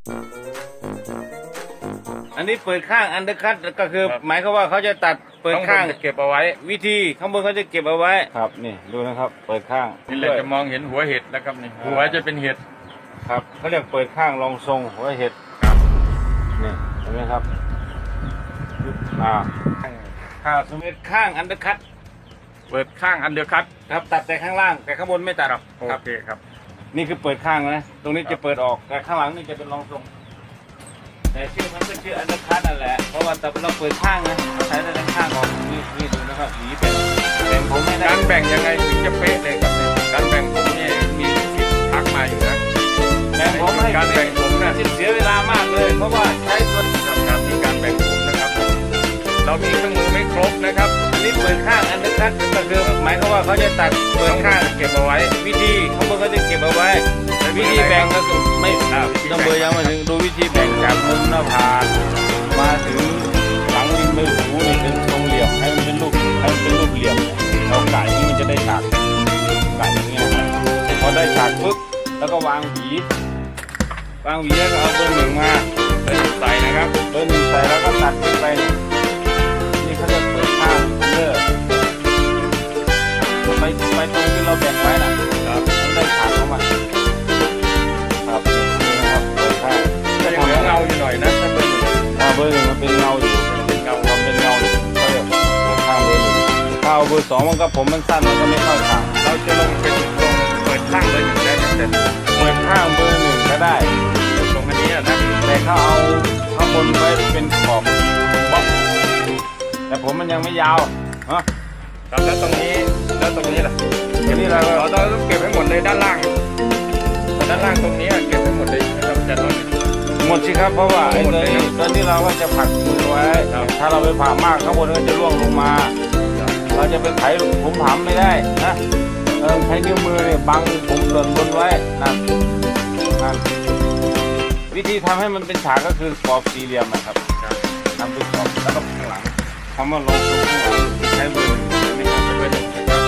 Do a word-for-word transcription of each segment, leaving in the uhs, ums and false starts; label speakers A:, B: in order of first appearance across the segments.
A: อันนี้เปิดข้างอันเดอร์คัตก็คือหมายความว่าเขาจะตัดเปิดข้าง
B: เก็บเอาไว้
A: วิธีข้างบนเขาจะเก็บเอาไว้ครับนี่ดูนะครับเปิดข้าง
B: นี่แหละจะมองเห็นหัวเห็ดแล้วครับนี่หัวจะเป็นเห็ด
A: ครับเขาเรียกเปิดข้างรองทรงหัวเห็ดนี่เห็นไหมครับอ่าข้างสมมติข้างอันเดอร์คัต
B: เปิดข้างอันเดอร์คัต
A: ครับตัดแต่ข้างล่างแต่ข้างบนไม่ตัด
B: ครับโอเคครับ
A: นี่คือเปิดข้างนะตรงนี้จะเปิดออกแต่ข้างหลังนี่จะเป็นรองทรงแต่ชื่อมันก็ชื่ออันเดอร์คัตนั่นแหละเพราะว่าแต่เราเปิดข้างนะใช้ได้ทั้งข้างออกนี่นี่ดูนะครับหวีเป็นแบ่งผมไม่ได้
B: การแบ่งยังไงถึงจะเป๊ะเลยครับการแบ่งผมนี่มีสิทธิ์ทักมาอยู่นะ
A: แบ่งผมให้
B: การแบ่งผมนะ
A: เสียเวลามากเลยเพราะว่าใช้ตัว
B: การมีการแบ่งผมนะครับเรามีเครื่องมือไม่ครบนะครับ
A: อันนี้เปิดข้างอันเดอร์คัตก็คือหมายความว่าเขาจะตัดเปิดข้าง
B: เก็บเอาไว้
A: วิธีข้างบนเขาจะเก็บเอาไว้วิธีแบ่งก็คือไม่ต้องเบอร์ยังมาถึงดูวิธีแบ่งจากมุมหน้าผากมาถึงหลังริมใบหูนี่เป็นทรงเหลี่ยมให้มันเป็นรูปให้มันเป็นรูปเหลี่ยมเราไก่นี่มันจะได้ฉากไก่อย่างเงี้ยครับพอได้ฉากปุ๊บแล้วก็วางหวีวางหวีแล้วก็เอาเบอร์หนึ่งมา
B: เบอร์หนึ่งใส่นะครับ
A: เบอร์หนึ่งใส่แล้วก็ตัดขึ้นไปนี่เขาเรียกเปิดข้างเลือไปไปตรงที่เราแบ่งไว้น่ะครับมันได้ฉากเข้ามาครับนี่นะครับเปิดข้าง
B: จะเหลือเงาอยู่หน่อยนะถ้าเบอร์หนึ่ง
A: เบอร์หนึ่งมันเป็นเงาอยู่
B: เป็นเงา
A: ความเป็นเงาเขาเรียกข้างเบอร์หนึ่งถ้าเอาเบอร์สองมันก็ผมมันสั้นมันก็ไม่เข้าฉาก
B: เราจะลงเป็นตรงเปิดข้างเบอร์หนึ่งได้แต่
A: เปิดข้างเบอร์หนึ่งก็ได้
B: ตรงอันนี้นะ
A: แต่เขาเอาข้างบนไว้เป็นขอบบ็อกแต่ผมมันยังไม่ยาวฮะ
B: แล้วตรงนี้แล้วตรงนี้ล่ะ
A: ทีนี้เรา
B: เราต้องเก็บให้หมดเลยด้านล่างด้านล่างตรงนี้เก็บให้หมดเลยนะครับจะน้อย
A: หมดสิครับเพราะว่าไอ้ตัวนี้ตอนนี้เราก็จะผักมือไว้ถ้าเราไปผ่ามากข้างบนก็จะร่วงลงมาเราจะไปไถผมผำไม่ได้นะเออใช้นิ้วมือเนี่ยบังผมหล่นบนไว้นะนั่นวิธีทำให้มันเป็นฉากก็คือกรอบสี่เหลี่ยมนะครับทำเป็นกรอบแล้วก็ข้างหลังคำว่าลงตรงข้างหลังใช้เบอร์หนึ่งไม่ใช่เบอร์หนึ่ง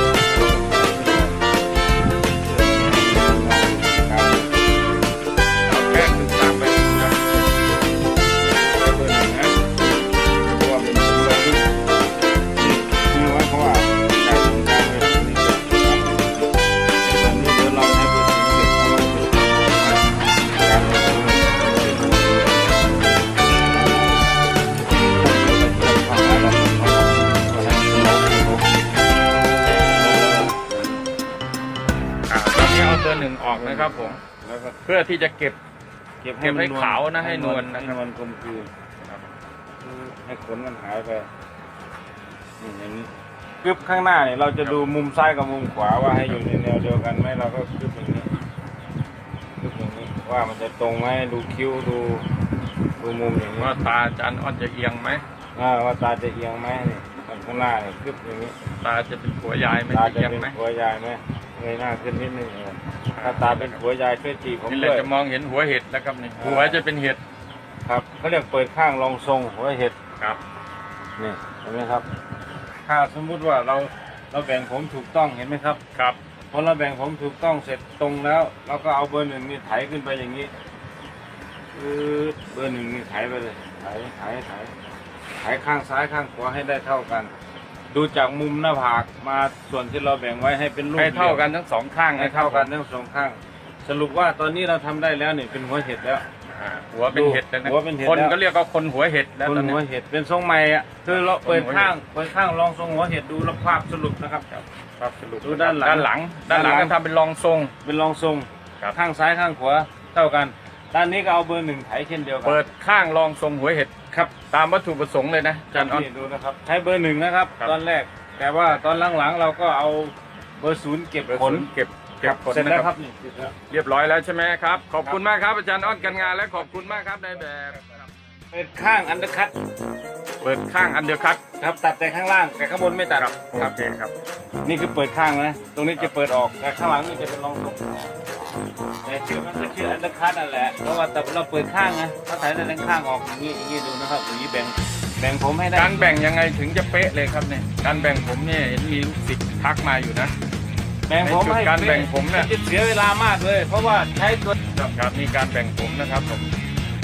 B: เบอร์หนึ่งออกนะครับผมเพื่อที่จะเก็บเก็บให้ขาวนะให้นวลนะ
A: ให้มันกลมกลืนให้ขนมันหายไปอย่างนี้กึบข้างหน้าเนี่ยเราจะดูมุมซ้ายกับมุมขวาว่าให้อยู่ในแนวเดียวกันไหมเราก็กึบอย่างนี้กึบอย่างนี้ว่ามันจะตรงไหมดูคิ้วดูดูมุมอย่างนี้
B: ว่าตาอาจารย์อ้อนจะเอียงไหม
A: ว่าตาจะเอียงไหมนี่ข้างหน้าเนี่ยกึบอย่างนี้
B: ตาจะเป็นหัวยายไหม
A: ตาจะเป็นหัวยายไหมเงยหน้าขึ้นนิดนึงถ้าตาเป็นหัวยายช่วยจีบผมด้วย
B: นี่แหละจะมองเห็นหัวเห็ดแล้วครับนี่หัวจะเป็นเห็ด
A: ครับเขาเรียกเปิดข้างรองทรงหัวเห็ด
B: ครับ
A: นี่เห็นไหมครับถ้าสมมุติว่าเราเราแบ่งผมถูกต้องเห็นไหมครับ
B: ครับ
A: พอเราแบ่งผมถูกต้องเสร็จตรงแล้วเราก็เอาเบอร์หนึ่งนี่ไถขึ้นไปอย่างนี้เบอร์หนึ่งนี่ไถไปเลยไถไถไถไถข้างซ้ายข้างขวาให้ได้เท่ากันดูจากมุมหน้าผากมาส่วนที่เราแบ่งไว้ให้เป็นรูป
B: ให้เท่ากันทั้งสองข้าง
A: ให้เท่ากันทั้งสองข้างสรุปว่าตอนนี้เราทำได้แล้วนี่เป็นหัวเห็ดแล้ว
B: หัวเป็นเห็ด
A: หัวเป็นเห็ด
B: คนก็เรียกว่าคนหัวเห็ดแล้ว
A: คนหัวเห็ดเป็นทรงใหม่อ่ะคือเราเปิดข้างเปิดข้างลองทรงหัวเห็ดดูแล้วภาพสรุปนะครับ
B: ภาพสรุป
A: ดูด้านหลัง
B: ด้านหลังด้านหลังก็ทำเป็นรองทรง
A: เป็นรองทรงข้างซ้ายข้างขวาเท่ากันด้านนี้ก็เอาเบอร์หนึ่งไถเช่นเดียวกัน
B: เปิดข้างรองทรงหัวเห็ด
A: ครับ
B: ตามวัตถุประสงค์เลยนะอาจารย์อ้อน
A: ดูนะครับใช้เบอร์หนึ่งนะครับตอนแรกแต่ว่าตอนหลังๆเราก็เอาเบอร์ศูนย์เก็บขน
B: เก็บเก็บขน
A: เสร็จแล้วครับ
B: เรียบร้อยแล้วใช่ไหมครับขอบคุณมากครับอาจารย์อ้อนกันงานและขอบคุณมากครับในแบบ
A: เปิดข้างอันเดอร์คัต
B: เปิดข้างอันเดอร์คัต
A: ครับตัดแต่ข้างล่างแต่ข้างบนไม่ตัด
B: ครับโอเคครับ
A: นี่คือเปิดข้างนะตรงนี้จะเปิดออกแต่ข้างหลังนี่จะเป็นรองทรงแต่ชื่อมันก็ชื่ออันเดอร์คัตนั่นแหละเพราะว่าแต่เราเปิดข้างนะถ้าถ่ายได้ทั้งข้างออกอย่างนี้อย่างนี้ดูนะครับอย่างนี้แบ่งแบ่งผมให้ได้
B: การแบ่งยังไงถึงจะเป๊ะเลยครับเนี่ยการแบ่งผมเนี่ยเห็นมีลูกศิษย์ทักมาอยู่นะ
A: แบ่งผมให้
B: การแบ่งผมเนี่ย
A: เสียเวลามากเลยเพราะว่าใช้ตัว
B: ครับมีการแบ่งผมนะครับผม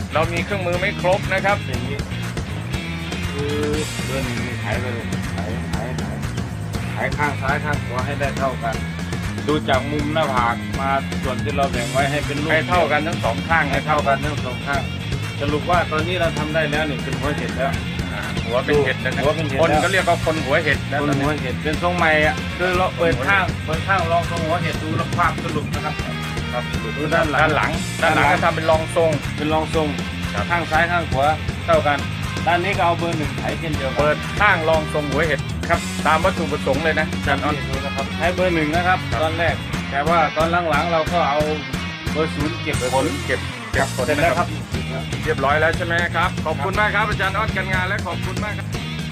B: เรามีเครื่องมือไม่ครบนะครับ
A: อย่างนี้คือเบอร์หนึ่งนี่ไถไปเลยไถไถไถไถข้างซ้ายข้างขวาให้ได้เท่ากัน ดูจากมุมหน้าผากมาส่วนที่เราแบ่งไว้ให้เป็นรูป
B: ให้เท่ากันทั้งสองข้าง
A: ให้
B: นะครั
A: เท่า
B: บ
A: กันทั้งสองข้างสรุปว่าตอนนี้เราทำได้แล้วนี่เป็นหัวเห็ดแล้ว
B: อ่าหัวเป็นเห็ดนะครับ
A: หัวเป็นเห็ด
B: คน
A: แล้ว
B: ก็เรียกว่าคนหัวเห็ดนะ
A: บ
B: ตอน
A: นหั
B: นี้
A: วเห็ดเป็นทรงใหม่อ่ะคือเราเปิดข้างเปิดข้างลองทรงหัวเห็ดดูแล้วภาพสรุปนะครับครับดูด้านหลัง
B: ด้านหลังด้านหลังก็ทำเป็นรองทรง
A: เป็นรองทรง
B: ครับ
A: ข้างซ้ายข้างขวาเท่ากัน ด้านนี้ก็เอาเบอร์หนึ่งไถเช่นเดียวกัน
B: เปิดข้างรองทรงหัวเห็ดครับตามวัตถุประสงค์เลยนะอาจารย์ออส
A: นี่ดูนะครับใช้เบอร์หนึ่งนะครับ ตอนแรก แต่ว่าตอนหลังๆเราก็เอาเบอร์ศูนย์เก็บผล
B: เก็บเก็บผล
A: เสร็จ
B: นะ
A: แล้ว
B: ค
A: ค
B: รั
A: รั
B: บบ เรียบร้อยแล้วใช่ไหมครับ ขอบคุณมากครับอาจารย์ออสกันงานและขอบคุณมากครับ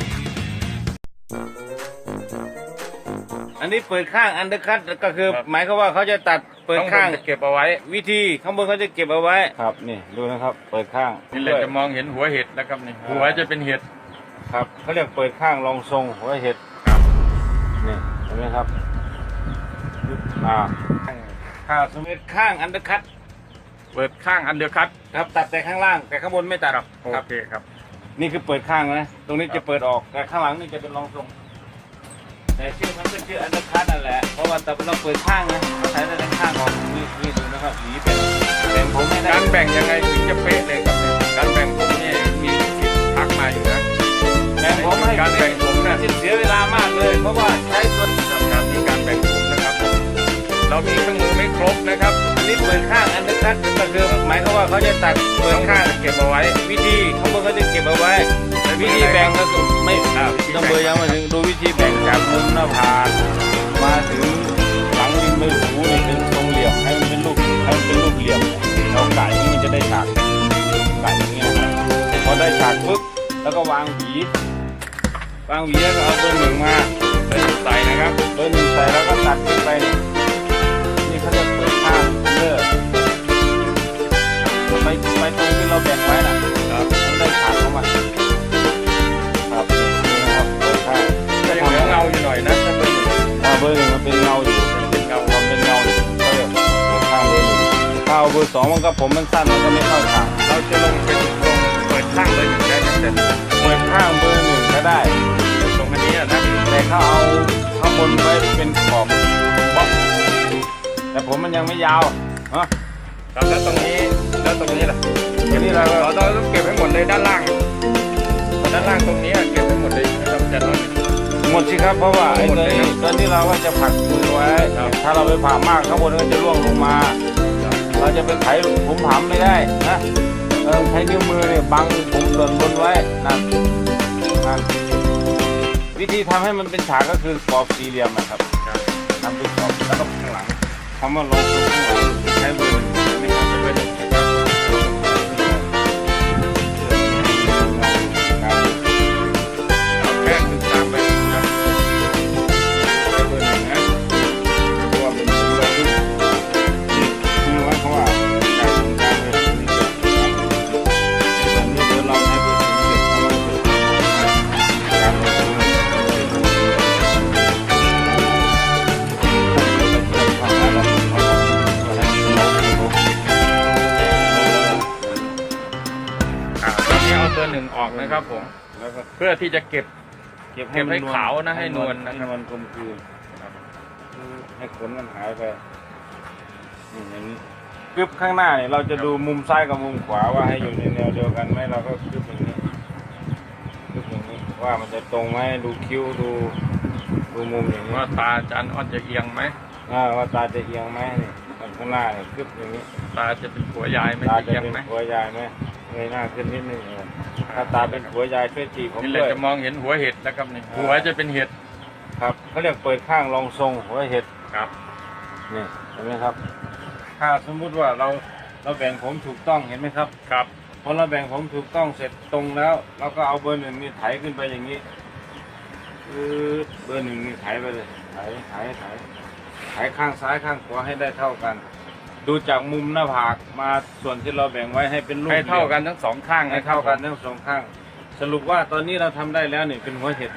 A: อันนี้เปิดข้างอันเดอร์คัตก็คือหมายความว่าเขาจะตัดเปิดข้าง
B: จะเก็บเอาไว้
A: วิธีข้างบนเขาจะเก็บเอาไว้ครับนี่ดูนะครับ เปิดข้าง
B: นี่เราจะมองเห็นหัวเห็ดนะครับนี่หัวจะเป็นเห็ด
A: ครับเขาเรียกเปิดข้างรองทรงหัวเห็ด
B: ครับ
A: นี่เห็นไหมครับอ่าข้าวสมเด็จข้างอันเดอร์คัต
B: เปิดข้างอันเดอร์คัต
A: ครับตัดแต่ข้างล่างแต่ข้างบนไม่ตัด
B: ครับโอเคครับ
A: นี่คือเปิดข้างนะตรงนี้
B: ครับ
A: จะเปิดออกแต่ข้างหลังนี่จะเป็นรองทรงแต่ชื่อมันก็ชื่ออันเดอร์คัตนั่นแหละเพราะว่าแต่เราเปิดข้างนะเราใช้แต่ข้างออกนี่นี่ดูนะครับหวีเป็นแบ่งผมไม่ได้
B: การแบ่งยังไงถึงจะเป๊ะเลยครับเนี่ยการแบ่งผมนี่มีสิทธิ์ทักมาอยู่นะ
A: แบ่งผมให้
B: การแบ่งผมนะ
A: เสียเวลามากเลย เพราะว่าใช้ส่วน
B: การที่การแบ่งผมนะครับ เรามีเครื่องมือไม่ครบนะครับ
A: อันนี้เปิดข้างอันเดอร์คัตก็คือหมายความว่าเขาจะตัดเปิดข้าง
B: เก็บเอาไว้
A: วิธีข้างบนเขาจะเก็บเอาไว้แต่วิธีแบ่งก็คือไม่
B: อ่าวิธีแบ่ง
A: ต้องเบอร์ยังมาถึงดูวิธีแบ่งจากมุมหน้าผากมาถึงหลังริมใบหูนี่เป็นทรงเหลี่ยมให้มันเป็นรูปให้มันเป็นรูปเหลี่ยมเราไก่นี่มันจะได้ฉากไก่อย่างเงี้ยนะครับพอได้ฉากปุ๊บแล้วก็วางหวีวางหวีแล้วก็เอาเบอร์หนึ่งมา
B: เป็นใส่นะครับ
A: เบอร์หนึ่งใส่แล้วก็ตัดขึ้นไปนี่นี่เขาเรียกเปิดข้างเลิกไปไปตรงที่เราแบ่งไว้น่ะ
B: ครับ
A: มันได้ฉากเข้ามาครับนี่นะครับเปิดข้าง
B: จะยังเหลือเงาอยู่หน่อยนะถ้าเป็น
A: อ่าเบอร์หนึ่งมันเป็นเงาอยู่
B: เป็นเงา
A: ความเป็นเงาอยู่เขาเรียกเปิดข้างเบอร์หนึ่งถ้าเอาเบอร์สองมันก็ผมมันสั้นมันก็ไม่เข้าฉาก
B: เราจะลงเป็นตรงเปิดข้างเลยหนึ่งได้ไหมแต่
A: เปิดข้างเบอร์หนึ่งก็ได้
B: ตรงอันนี้นะ
A: แต่เขาเอาข้างบนไว้เป็นขอบบล็อกแต่ผมมันยังไม่ยาวเนาะ
B: ครับแล้วตรงนี้แล้วตรงนี้ล่ะ
A: ทีนี้เราก็
B: เราต้องเก็บให้หมดเลยด้านล่าง ด้านล่างตรงนี้เก็บให้หมดเลยนะครับอาจารย์ออส
A: หมดสิครับเพราะว่าไอ้ตัวนี้ตอนนี้เราก็จะผลักมือไว้ ถ้าเราไปผ่ามากข้างบนก็จะร่วงลงมา เราจะไปไถผมผามไม่ได้นะเออใช้นิ้วมือเนี่ยบังผมส่วนบนไว้นั่นนั่นวิธีทำให้มันเป็นฉากก็คือกรอบสี่เหลี่ยมนะครับทำเป็นกรอบแล้วก็ข้างหลังคำว่าลงตรงข้างหลังใช้มือไม่ครับจะเป็นการ
B: แค่ถึงตามไปนะ
A: เบอร์หนึ่งนะเพราะว่าเป็นผมเราคือคือว่าเขาว่าการทำการเลยนี่เกิดตอนนี้เดี๋ยวเราให้เบอร์หนึ่งเก็บเข้ามาเป็นการลงทุน
B: อ่าตอนนี้เอาเบอร์หนึ่งออกนะครับผม
A: แล้วก็
B: เพื่อที่จะเก็บ
A: เก็บ
B: เก็บให้ขาวนะให้นวลนะครับ
A: ให้นวลกลมกลืนให้ขนมันหายไปนี่อย่างนี้กึบข้างหน้าเนี่ยเราจะดูมุมซ้ายกับมุมขวาว่าให้อยู่ในแนวเดียวกันไหมเราก็กึบอย่างนี้กึบอย่างนี้ว่ามันจะตรงไหมดูคิ้วดูดูมุมอย่างนี้
B: ว่าตาอาจารย์ออสจะเอียงไหม
A: อ่าว่าตาจะเอียงไหมนี่ข้างหน้าเนี่ยกึบอย่างนี้
B: ตาจะเป็นหัวยายไหม
A: ตา
B: จะ
A: จะ
B: เอียง
A: เป็น
B: ไหม
A: หัวยายไหมเงยหน้าขึ้นนิดนึงเออถ้าตาเป็นหัวยายช่วยจีบผม
B: นี่
A: ด้
B: เรา
A: วย
B: จะมองเห็นหัวเห็ดนะครับนี่หัวจะเป็นเห็ด
A: ครับเขาเรียกเปิดข้างรองทรงหัวเห็ด
B: ครับ
A: นี่เห็นไหมครับ ถ้าสมมุติว่าเราเราแบ่งผมถูกต้องเห็นไหมครับ
B: ครับ
A: พอเราแบ่งผมถูกต้องเสร็จตรงแล้วเราก็เอาเบอร์หนึ่งนี่ไถขึ้นไปอย่างนี้คือเบอร์หนึ่งนี่ไถไปเลยไถไถไถไถข้างซ้ายข้างขวาให้ได้เท่ากัน ดูจากมุมหน้าผากมาส่วนที่เราแบ่งไว้ให้เป็นรูป
B: ให้เท่ากันทั้งสองข้าง
A: ให้
B: นะครับ
A: เท่ากันทั้งสองข้าง สรุปว่าตอนนี้เราทำได้แล้วนี่เป็นหัวเห็ดแล้ว
B: ค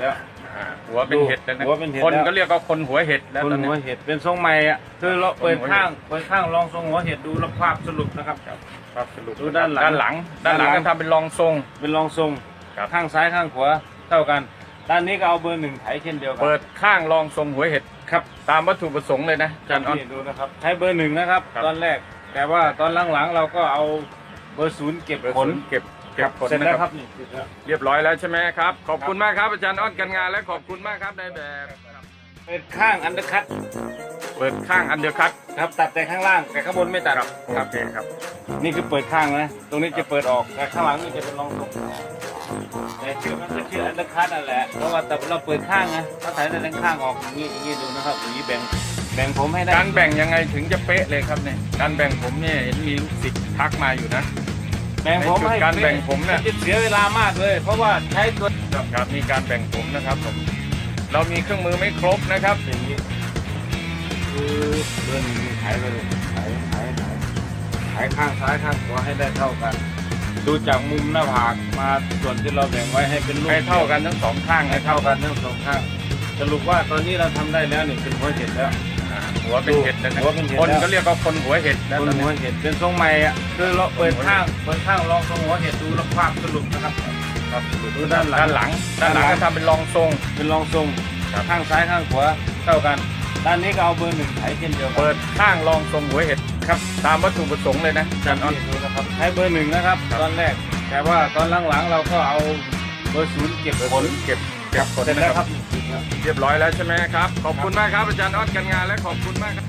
B: อ่าหัวเป็นเห็ดแล้วนะ
A: หัวเป็นเห็ด
B: คน
A: แล้ว
B: ก็เรียกว่าคนหัวเห็ดแล้ว
A: คน
B: ตอน
A: หั
B: นี้
A: วเห็ดเป็นทรงใหม่อ่ะคือเราเปิดข้างเปิดข้างลองทรงหัวเห็ดดูแล้วภาพสรุปนะครับ
B: ครับสรุป
A: ดูด้านหลัง
B: ด้านหลัง ด้านหลัง
A: ด้านหลัง
B: ก็ทำเป็นรองทรง
A: เป็นลองทรง
B: ครับ
A: ข้างซ้ายข้างขวาเท่ากัน ด้านนี้ก็เอาเบอร์หนึ่งไถเช่นเดียวกั
B: เปิดข้างรองทรงหัวเห็ด
A: ครับ
B: ตามวัตถุประสงค์เลยนะอาจารย์ออส
A: นี่ดูนะครับใช้เบอร์หนึ่งนะครับ
B: ครับ
A: ตอนแรกแต่ว่าตอนหลังๆเราก็เอาเบอร์ศูนย์เก็บผล
B: เก็บเก็บผล
A: เสร็จ
B: นะ
A: แล้ว
B: ค
A: ค
B: รั
A: รับ บนี่เสร็จแล้ว
B: เรียบร้อยแล้วใช่ไหมครับ ขอบคุณมากครับอาจารย์ออสกันงานและขอบคุณมากครับในแบบ
A: เปิดข้างอันเดอร์คัต
B: เปิดข้างอันเดอร์คัต
A: ครับตัดแต่ข้างล่างแต่ข้างบนไม่ตัด
B: ครับโอเคครับ
A: นี่คือเปิดข้างนะตรงนี้จะเปิดออกแต่ข้างหลังนี่จะเป็นรองทรงแต่ชื่อมันก็ชื่ออันเดอร์คัตนั่นแหละเพราะว่าแต่เราเปิดข้างนะถ้าถ่ายแต่ด้านข้างออกอย่างนี้อย่างนี้ดูนะครับอย่างนี้แบ่งแบ่งผมให้ได้
B: การแบ่งยังไงถึงจะเป๊ะเลยครับเนี่ยการแบ่งผมเนี่ยเห็นมีลูกศิษย์ทักมาอยู่นะ
A: แบ่งผมให้
B: การแบ่งผมเนี่ย
A: จะเสียเวลามากเลย เพราะว่าใช้ตัว
B: ครับมีการแบ่งผมนะครับผมเรามีเครื่องมือไม่ครบนะครับ
A: อย่างนี้คือเดินหายไปเลยหายหายหายหายข้างซ้ายข้างขวาให้ได้เท่ากัน ดูจากมุมหน้าผากมาส่วนที่เราแบ่งไว้ให้เป็นรูป
B: ให้เท่ากันทั้งสองข้าง
A: ให้
B: นะครั
A: เท่า
B: บ
A: กันทั้งสองข้างสรุปว่าตอนนี้เราทำได้แล้วนี่เป็นหัวเห็ดแล้ว
B: อ่าหัวเป็นเห็ดแล้วนะ
A: หัวเป็นเห็ด
B: คน
A: แล้ว
B: ก็เรียกว่าคนหัวเห็ดแล้ว
A: คน
B: ตอน
A: หั
B: นี้
A: วเห็ดเป็นทรงใหม่อ่ะคือเราเปิดข้างเปิดข้างลองทรงหัวเห็ดดูแล้วภาพสรุปนะครับ
B: ครับ
A: ดูด้านหลัง
B: ด้านหลังด้านหลังก็ทำเป็นรองทรง
A: เป็นรองทรง
B: ครับ
A: ข้างซ้ายข้างขวาเท่ากัน ด้านนี้ก็เอาเบอร์หนึ่งไถเช่นเดียวกั
B: เปิดข้างรองทรงหัวเห็ดครับตามวัตถุประสงค์เลยนะอาจารย์ออส
A: นี่ดูนะครับใช้เบอร์หนึ่งนะครับ
B: ครับ
A: ตอนแรกแต่ว่าตอนหลังๆเราก็เอาเบอร์ศูนย์เก็บผล
B: เก็บเก็บผล
A: เสร็จ
B: นะ
A: แล้ว
B: ค
A: ค
B: รั
A: รั
B: บบ เรียบร้อยแล้วใช่ไหมครับขอบคุณมากครับอาจารย์ออสกันงานและขอบคุณมากครับ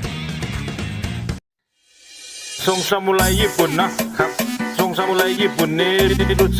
A: ทรงซามูไรญี่ปุ่นนะครับทรงซามูไรญี่ปุ่นนี้รู้สึก